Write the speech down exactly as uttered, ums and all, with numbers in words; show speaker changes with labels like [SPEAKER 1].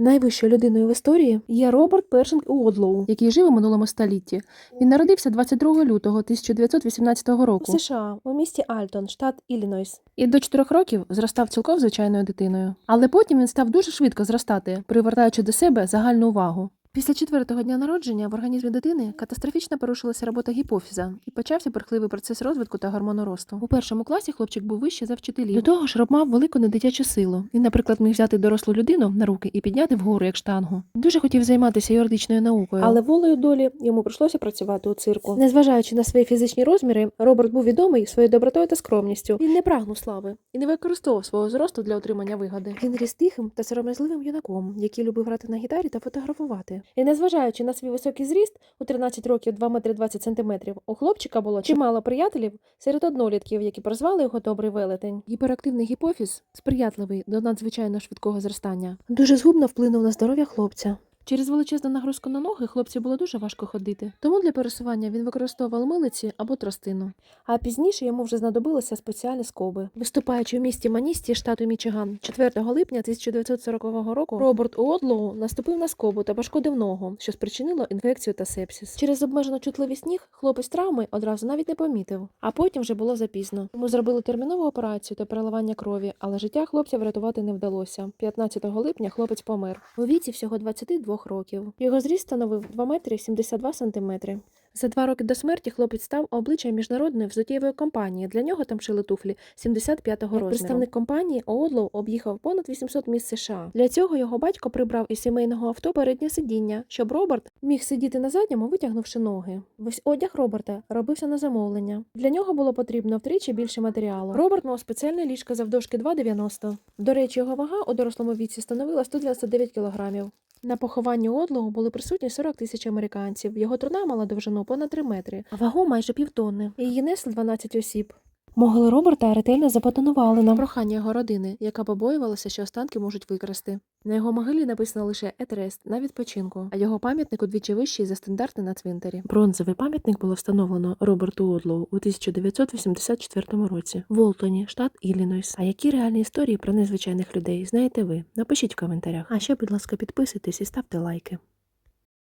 [SPEAKER 1] Найвищою людиною в історії є Роберт Першинг Уодлоу, який жив у минулому столітті. Він народився двадцять другого лютого тисяча дев'ятсот вісімнадцятого року
[SPEAKER 2] У США, у місті Альтон, штат Іллінойс.
[SPEAKER 1] і до чотирьох років зростав цілком звичайною дитиною. Але потім він став дуже швидко зростати, привертаючи до себе загальну увагу. Після четвертого дня народження в організмі дитини катастрофічно порушилася робота гіпофіза і почався бурхливий процес розвитку та гормоноросту. У першому класі хлопчик був вищий за вчителів. До того ж, Роб мав велику недитячу силу. Він, наприклад, міг взяти дорослу людину на руки і підняти вгору як штангу. Дуже хотів займатися юридичною наукою.
[SPEAKER 2] Але волею долі йому прийшлося працювати у цирку.
[SPEAKER 1] Незважаючи на свої фізичні розміри, Роберт був відомий своєю добротою та скромністю. Він не прагнув слави і не використовував свого зросту для отримання вигоди. Він ріс тихим та сором'язливим юнаком, який любив грати на гітарі та фотографувати.
[SPEAKER 2] І незважаючи на свій високий зріст, у тринадцять років два метри двадцять сантиметрів, у хлопчика було чимало приятелів серед однолітків, які прозвали його Добрий велетень.
[SPEAKER 1] Гіперактивний гіпофіз, сприятливий до надзвичайно швидкого зростання, дуже згубно вплинув на здоров'я хлопця. Через величезну нагрузку на ноги хлопцю було дуже важко ходити, тому для пересування він використовував милиці або тростину.
[SPEAKER 2] А пізніше йому вже знадобилися спеціальні скоби.
[SPEAKER 1] Виступаючи в місті Маністі, штату Мічиган, четвертого липня тисяча дев'ятсот сорокового року, Роберт Уодлоу наступив на скобу та пошкодив ногу, що спричинило інфекцію та сепсис. Через обмежену чутливість ніг хлопець травми одразу навіть не помітив, а потім вже було запізно. Йому зробили термінову операцію та переливання крові, але життя хлопця врятувати не вдалося. п'ятнадцятого липня хлопець помер у віці всього двадцяти двох років. Його зріст становив два метри сімдесят два сантиметри. За два роки до смерті хлопець став обличчям міжнародної взуттєвої компанії. Для нього там шили туфлі сімдесят п'ятого розміру. Представник компанії Уодлоу об'їхав понад вісімсот міст США. Для цього його батько прибрав із сімейного авто переднє сидіння, щоб Роберт міг сидіти на задньому, витягнувши ноги. Весь одяг Роберта робився на замовлення. Для нього було потрібно втричі більше матеріалу. Роберт мав спеціальне ліжко завдовжки два дев'яносто. До речі, його вага у дорослому віці становила сто дев'яносто дев'ять кілограмів. На похованні Уодлоу були присутні сорок тисяч американців. Його труна мала довжину понад три метри, а вагу майже півтонни. І її несли дванадцять осіб. Могилу Роберта ретельно забетонували на прохання його родини, яка побоювалася, що останки можуть викрасти. На його могилі написано лише «Етрест» на відпочинку, а його пам'ятник удвічі вищий за стандарти на цвинтарі. Бронзовий пам'ятник було встановлено Роберту Уодлоу у тисяча дев'ятсот вісімдесят четвертому році в Олтоні, штат Іллінойс. А які реальні історії про незвичайних людей знаєте ви? Напишіть в коментарях. А ще, будь ласка, підписуйтесь і ставте лайки.